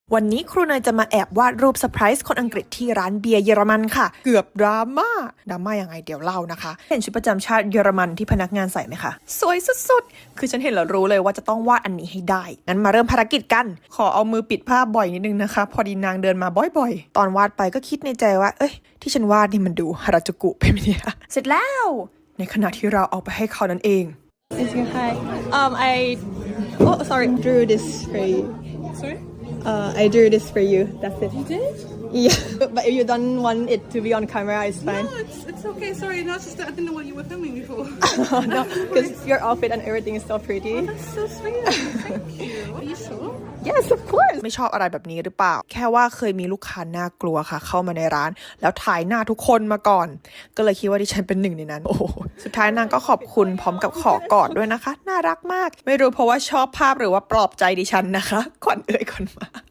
วันนี้ครูเนยจะมาแอบวาดรูปเซอร์ไพรส์คนอังกฤษที่ร้านเบียร์เยอรมันค่ะเกือบดราม่ายังไงเดี๋ยวเล่านะคะเห็นชุดประจำชาติเยอรมันที่พนักงานใส่ไหมคะสวยสุดๆคือฉันเห็นแล้วรู้เลยว่าจะต้องวาดอันนี้ให้ได้งั้นมาเริ่มภารกิจกันขอเอามือปิดผ้าบ่อยนิดนึงนะคะพอดีนางเดินมาบ่อยๆตอนวาดไปก็คิดในใจว่าเอ้ยที่ฉันวาดนี่มันดูฮาราจูกุไปไหมเนี่ยเสร็จแล้วในขณะที่เราเอาไปให้เขานั่นเอง Hi. Sorry. Drew this for you. Sorry? I drew this for you. That's it. You did? Yeah. But if you don't want it to be on camera, it's fine. No, it's okay. Sorry, no, it's just that I didn't know what you were filming me for. No, because your outfit and everything is so pretty. That's so sweet. Thank you. Are you sure? Yes, of course. ไม่ชอบอะไรแบบนี้หรือเปล่าแค่ว่าเคยมีลูกค้าน่ากลัวค่ะเข้ามาในร้านแล้วถ่ายหน้าทุกคนมาก่อนก็เลยคิดว่าดิฉันเป็นหนึ่งในนั้นโอ้สุดท้ายนางก็ขอบคุณพร้อมกับขอกอดด้วยนะคะน่ารักมากไม่รู้เพราะว่าชอบภาพหรือว่าปลอบใจดิฉันนะคะก่อนมา